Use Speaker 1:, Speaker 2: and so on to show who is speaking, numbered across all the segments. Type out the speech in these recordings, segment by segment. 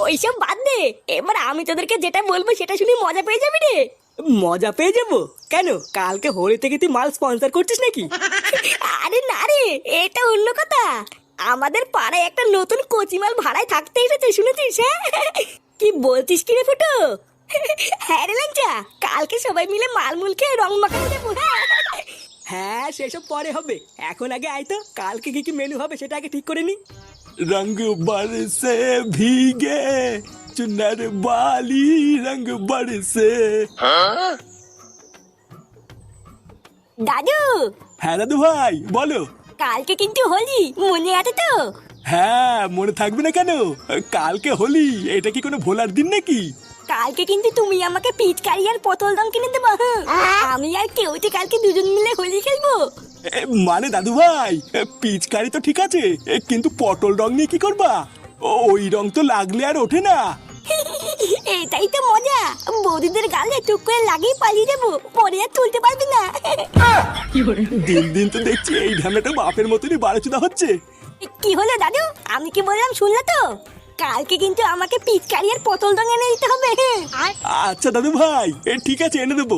Speaker 1: ওইসব বাদ দে। এবার আমি তোদেরকে যেটা বলবো সেটা শুনে মজা পেয়ে যাবি রে।
Speaker 2: মজা পেয়ে যাবো কেন? কালকে হোলি থেকে তুই মাল স্পন্সর করছিস নাকি?
Speaker 1: আরে না রে, এটা অন্য কথা। আমাদের পাড়ায় একটা নতুন কচিমাল ভাড়ায় থাকতে এসেছে, শুনেছিস? হ্যাঁ, কি বলছিস কি রে ফুটো? হ্যাঁ রে ল্যাংচা, কালকে সবাই মিলে মালমুল খেয়ে রং মাখাতে যাবো।
Speaker 2: হ্যাঁ, সেসব পরে হবে। এখন আগে আয় তো, কালকে কি কি মেনু হবে সেটা আগে ঠিক করে নি।
Speaker 3: रंग बरसे भीगे चुनर वाली रंग बरसे।
Speaker 1: দাদু,
Speaker 3: হ্যাঁ দাদু ভাই বলো।
Speaker 1: কালকে কিন্তু হোলি, মনে আছে তো?
Speaker 3: হ্যাঁ মনে থাকবে না কেন? কালকে হোলি, এটা কি কোনো ভোলার দিন নাকি?
Speaker 1: কালকে কিন্তু তুমি আমাকে পিচকারি আর পটল রং কিনে দেবো। আমি আর কেউতে কালকে দুজন মিলে হোলি খেলবো।
Speaker 3: মানে দাদু ভাই, পিচকারি তো ঠিক আছে, কিন্তু পটল রং নিয়ে কি করবা? ওই রং তো লাগলে আর ওঠে না।
Speaker 1: এটাই তো মজা, বৌদিদের গালে টুক করে লাগিয়ে পালিয়ে যাবো, পরে আর তুলতে পারবি না।
Speaker 3: দিন দিন তো দেখছি এই ঢামেটা বাপের মতনই বাড়াচুদা হচ্ছে।
Speaker 1: কি হলো দাদু, আমি কি বললাম শুনলে তো? কালকে কিন্তু আমাকে পিচকারি আর পটল রং এনে দিতে হবে।
Speaker 3: আচ্ছা দাদু ভাই, ঠিক আছে এনে দেবো।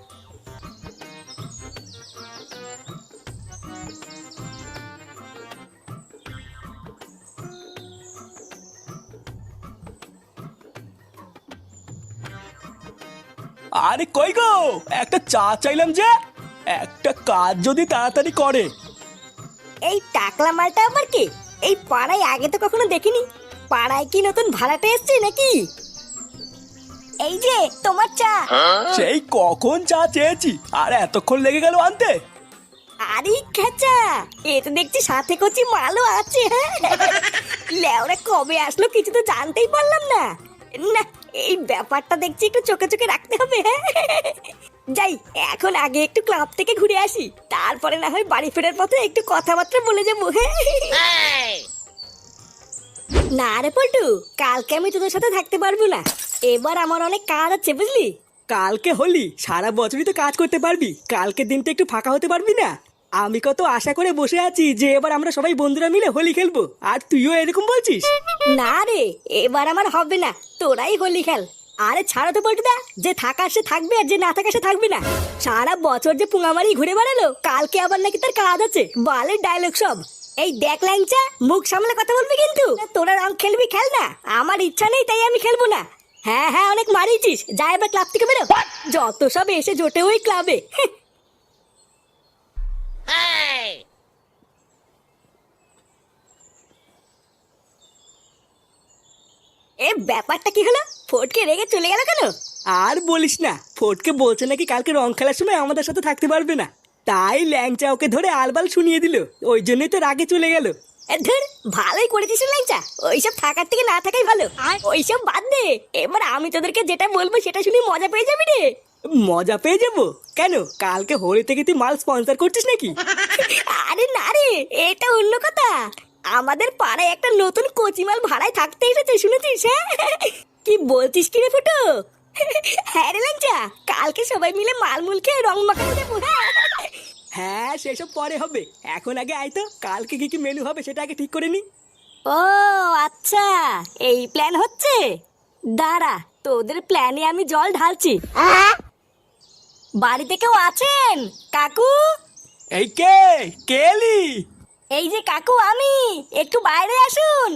Speaker 3: আরে কই গো, একটা চা চাইলাম যে। একটা কাজ যদি তাড়াতাড়ি করে।
Speaker 1: এই টাকলা মালটা আবার কি? এই পাড়ায় আগে তো কখনো দেখিনি। পাড়ায় কি নতুন ভাড়াটে এসছে নাকি? এই যে তোমার চা।
Speaker 3: সেই কখন চা চেয়েছি, আর এতক্ষণ লেগে গেল আনতে।
Speaker 1: আরে খেচা, এ তো দেখছি সাথে কচি মালও আছে। লেওরা কবে আসলো কিছু তো জানতেই পারলাম না। না, এই ব্যাপারটা দেখছি একটু চোখে চোখে রাখতে হবে। যাই, এখন আগে একটু ক্লাব থেকে ঘুরে আসি, তারপরে না হয় বাড়ি ফেরার পথে একটু কথাবার্তা বলে যাবো। না রে পল্টু, কালকে আমি তোদের সাথে থাকতে পারবো না। এবার আমার অনেক কাজ আছে, বুঝলি?
Speaker 2: কালকে হোলি, সারা বছরই তো কাজ করতে পারবি, কালকের দিনটা একটু ফাঁকা হতে পারবি না? আমি কত আশা করে বসে আছি যে এবার আমরা সবাই বন্ধুরা মিলে হোলি খেলবো, আর তুইও এরকম বলছিস?
Speaker 1: না রে, এবার আমার হবে না, তোরাই হোলি খেল। আরে ছাড়ো তো পল্টুদা, যে থাকার সে থাকবে আর যে না থাকার সে থাকবে না। সারা বছর যে পুঙামারি ঘুরে বেড়ালো, কালকে আবার নাকি তার কাজ আছে, বালের ডায়লগ সব। এই দেখ ল্যাংচা, মুখ সামলে কথা বলবি কিন্তু। তোরা রং খেলবি খেল না, আমার ইচ্ছা নেই তাই আমি খেলবো না। হ্যাঁ হ্যাঁ, অনেক মারিয়েছিস, যা এবার ক্লাব থেকে বেরো। যত সব এসে জোটে ওই ক্লাবে। এ ব্যাপারটা কি হলো? ফটকে রেগে চলে গেল কেন?
Speaker 2: আর বলিস না, ফটকে বলছে নাকি কালকে রং খেলার সময় আমাদের সাথে থাকতে পারবে না, তাই ল্যাংচা ওকে ধরে আলবাল শুনিয়ে দিল, ওই জন্যই তো রাগে চলে গেল।
Speaker 1: ধর, ভালোই করেছিস ল্যাংচা, ওইসব থাকার থেকে না থাকাই ভালো। ওইসব বাদ দে, এবার আমি তোদেরকে যেটা বলবো সেটা শুনে মজা পেয়ে যাবি রে।
Speaker 2: মজা পেয়ে যাবো কেন? কালকে হোলি থেকে তুই মাল স্পন্সর করছিস নাকি?
Speaker 1: আরে না রে, এটা অন্য কথা। আমাদের পাড়ায় একটা নতুন কচিমাল ভাড়ায় থাকতে এসেছে, শুনেছিস? হ্যাঁ, কি বলছিস কি রে ফুটো? হ্যাঁ রে ল্যাংচা, কালকে সবাই মিলে মালমুল খেয়ে রং মাখাতে যাবো।
Speaker 2: হ্যাঁ, সেসব পরে হবে। এখন আগে আয় তো, কালকে কি কি মেনু হবে সেটা আগে ঠিক করে নি।
Speaker 1: ও আচ্ছা, এই প্ল্যান হচ্ছে। দাঁড়া, তোদের প্ল্যানে আমি জল ঢালছি। বাড়িতে কেউ আছেন কাকু?
Speaker 3: এই কে কে এলি?
Speaker 1: এই যে কাকু আমি, একটু বাইরে আসুন।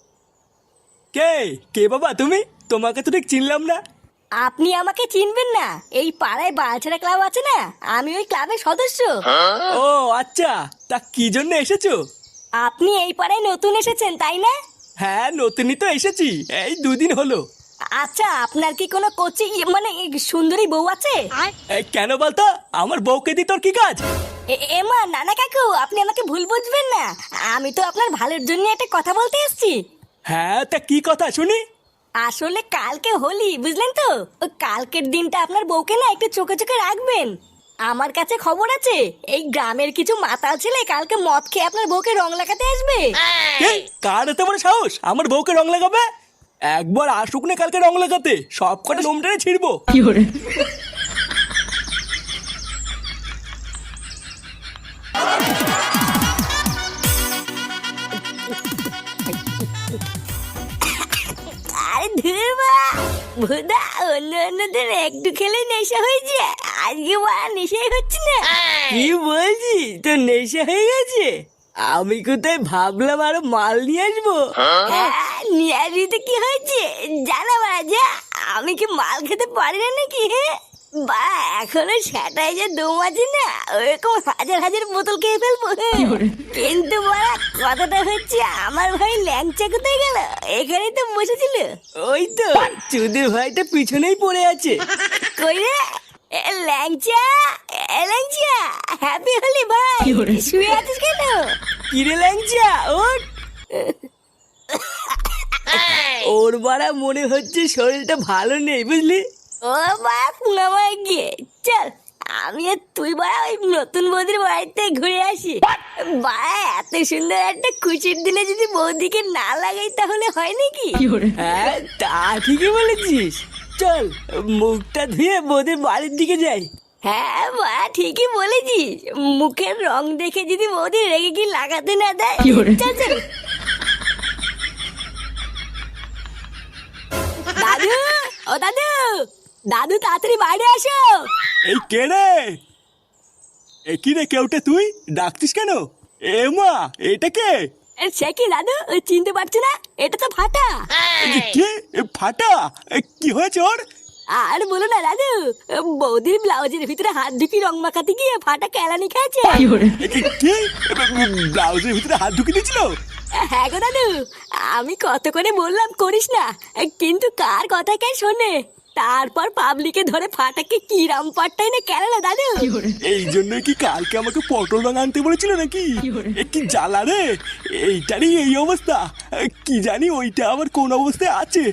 Speaker 3: কে কে বাবা তুমি? তোমাকে তো ঠিক চিনলাম না।
Speaker 1: আপনি আমাকে চিনবেন না? এই পাড়ায় বালছেড়া ক্লাব আছে না, আমি ওই ক্লাবের সদস্য।
Speaker 3: ও আচ্ছা, তা কি জন্য এসেছো?
Speaker 1: আপনি এই পাড়ায় নতুন এসেছেন তাই না?
Speaker 3: হ্যাঁ নতুনই তো এসেছি, এই 2 দিন হলো।
Speaker 1: আচ্ছা, আপনার কি কোনো কোচি মানে সুন্দরী বউ আছে?
Speaker 3: এই কেন বলতো, আমার বউকে দি তোর কি কাজ?
Speaker 1: এমা নানা কাকু, আপনি আমাকে ভুল বুঝবেন না, আমি তো আপনার ভালোর জন্য একটা কথা বলতে এসেছি।
Speaker 3: হ্যাঁ তা কি কথা শুনি?
Speaker 1: আসলে কালকে হোলি, বুঝলেন তো? ওই কালকের দিনটা আপনার বউকে না একটু চোখে চোখে রাখবেন। আমার কাছে খবর আছে, এই গ্রামের কিছু মাতাল ছেলে কালকে মদ খেয়ে আপনার বউকে রং লাগাতে আসবে।
Speaker 3: কে? কার এত বড় সাহস আমার বউকে রং লাগাবে? একবার আসুক না কালকে রং লাগাতে, সব কটা লোম টেনে ছিড়বো।
Speaker 1: আরে আরে ধুরবা ভুদা, অন্যদের একটু খেলে নেশা হয়েছে, আজকে বাড়া নেশাই হচ্ছে না।
Speaker 2: কি বলছিস, তোর নেশা হয়ে গেছে? আমি কোথায় ভাবলাম আরো মাল নিয়ে আসবো।
Speaker 1: হ্যাঁ, নিয়ে আসবি তো কি হয়েছে, জানা বাড়া যা। আমি কি মাল খেতে পারি না নাকি? হ্যাঁ বা এখনো সেটাই যে দম আছে না, ওরকম হাজার হাজার বোতল খেয়ে ফেলবো। কিন্তু বাড়া কথাটা হচ্ছে, আমার ভাই ল্যাংচা কোথায় গেল? এখানেই তো বসেছিল।
Speaker 2: ওই তো চুদির ভাইটা পিছনেই পড়ে আছে।
Speaker 1: কই রে ল্যাংচা, ল্যাংচা, হ্যাপি হলি ভাই, শুয়ে আছিস কেন?
Speaker 2: কিরে ল্যাংচা ওঠ। ওর বাড়া মনে হচ্ছে শরীরটা ভালো নেই, বুঝলি?
Speaker 1: ও বা পুনামায় গিয়ে চল, আমি আর তুই বাড়া ওই নতুন বৌদির বাড়িতে ঘুরে আসি। বাড়া এত সুন্দর একটা খুশির দিনে যদি বৌদিকে না লাগাই তাহলে হয় নাকি?
Speaker 2: হ্যাঁ তা ঠিকই বলেছিস, চল মুখটা ধুয়ে বৌদির বাড়ির দিকে যাই।
Speaker 1: হ্যাঁ বা ঠিকই বলেছিস, মুখের রং দেখে যদি বৌদি রেগে কি লাগাতে না দেয়। চল চল। দাদু, ও দাদু, দাদু তাড়াতাড়ি বাইরে আসো।
Speaker 3: এই কে রে? এ কি রে, কেউটে তুই ডাকতিস কেন? এ মা, এটা কে?
Speaker 1: সে কি দাদু, চিনতে পারছো না? এটা তো ফাটা।
Speaker 3: কে? ফাটা? কি হয়েছে ওর?
Speaker 1: আর বলো না দাদু, বৌদির ব্লাউজের ভিতরে হাত ঢুকি রং মাখাতে গিয়ে ফাটা কেলানি খেয়েছে।
Speaker 3: কি? ব্লাউজের ভিতরে হাত ঢুকিয়ে দিয়েছিল?
Speaker 1: হ্যাঁ গো দাদু, আমি কত করে বললাম করিস না, কিন্তু কার কথা কে শোনে? তারপর পাবলিকে ধরে ফাটাকে কি রামপাটটাই না কেন দাদু।
Speaker 3: এই জন্যই কি কালকে আমাকে পটল রং আনতে বলেছিল নাকি? কি জ্বালা রে, এইটারই এই অবস্থা। কি জানি ওইটা আবার কোন অবস্থায় আছে।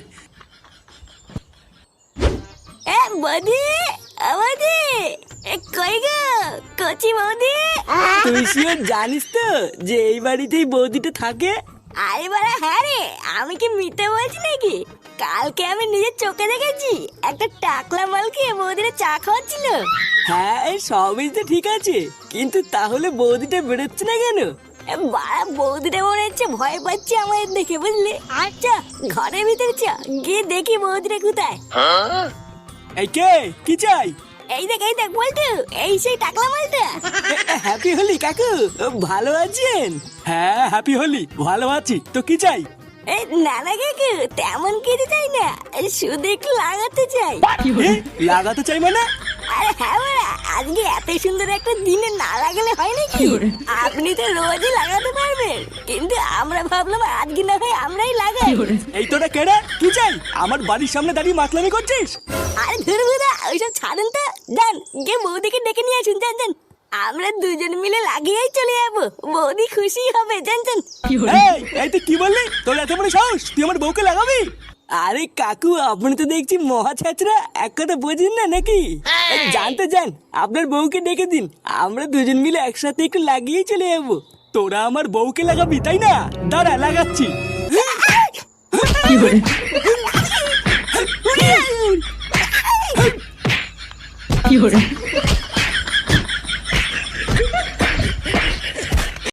Speaker 1: বৌদি, বৌদি, কই গো কচি বৌদি?
Speaker 2: তুই শিওর জানিস তো যে এই বাড়িতেই বৌদিটা থাকে?
Speaker 1: আরে বাড়া হ্যাঁ রে, আমি কি মিথ্যে বলছি নাকি? কালকে আমি নিজের চোখে দেখেছি, একটা টাকলা মালকে বৌদিরা চা খাওয়াচ্ছিল।
Speaker 2: হ্যাঁ এই সবই তো ঠিক আছে, কিন্তু তাহলে বৌদিটা বেরোচ্ছে না কেন?
Speaker 1: বাড়া বৌদিটা মনে হচ্ছে ভয় পাচ্ছে আমাদের দেখে, বুঝলি? আচ্ছা ঘরের ভিতরে চ, গিয়ে দেখি বৌদিটা কোথায়।
Speaker 3: এই কে, কি চাই?
Speaker 1: এই দেখ বলতো, এই সেই টাকলা মালটা।
Speaker 2: হ্যাপি হলি কাকু, ভালো আছেন?
Speaker 3: হ্যাঁ হ্যাপি হলি, ভালো আছি, তো কি চাই?
Speaker 1: এই নানা কাকু তেমন কিছু চাই না, শুধু একটু লাগাতে চাই।
Speaker 3: এ, লাগাতে চাই মানে?
Speaker 1: আরে হ্যাঁ বাড়া, আজকে এত সুন্দর একটা দিনে না লাগালে হয় নাকি? আপনি তো রোজই লাগাতে পারবেন, কিন্তু আমরা ভাবলাম আজকে না হয় আমরাই লাগাই।
Speaker 3: এই তোরা কেডা, কি চাই? আমার বাড়ির সামনে দাঁড়িয়ে মাতলামি করছিস?
Speaker 1: আরে ধুরবুদা, ওইসব ছাড়েন তো, যান গিয়ে বৌদিকে ডেকে নিয়ে আসুন, যান যান। আমরা দুজন মিলে লাগিয়েই চলে যাবো, বৌদি খুশি হবে, যান যান।
Speaker 3: এই তুই কি বললি? তোর এত বড় সাহস, তুই আমার বউকে লাগাবি?
Speaker 2: আরে কাকু আপনি তো দেখছি মহা ছাত্রা, এক কথা বোঝেন না নাকি? জানতে যান, আপনার বউকে ডেকে দিন, আমরা দুজন মিলে একসাথে একটু লাগিয়েই চলে যাবো।
Speaker 3: তোরা আমার বউকে লাগাবি তাই না? দাঁড়া লাগাচ্ছি।
Speaker 4: কি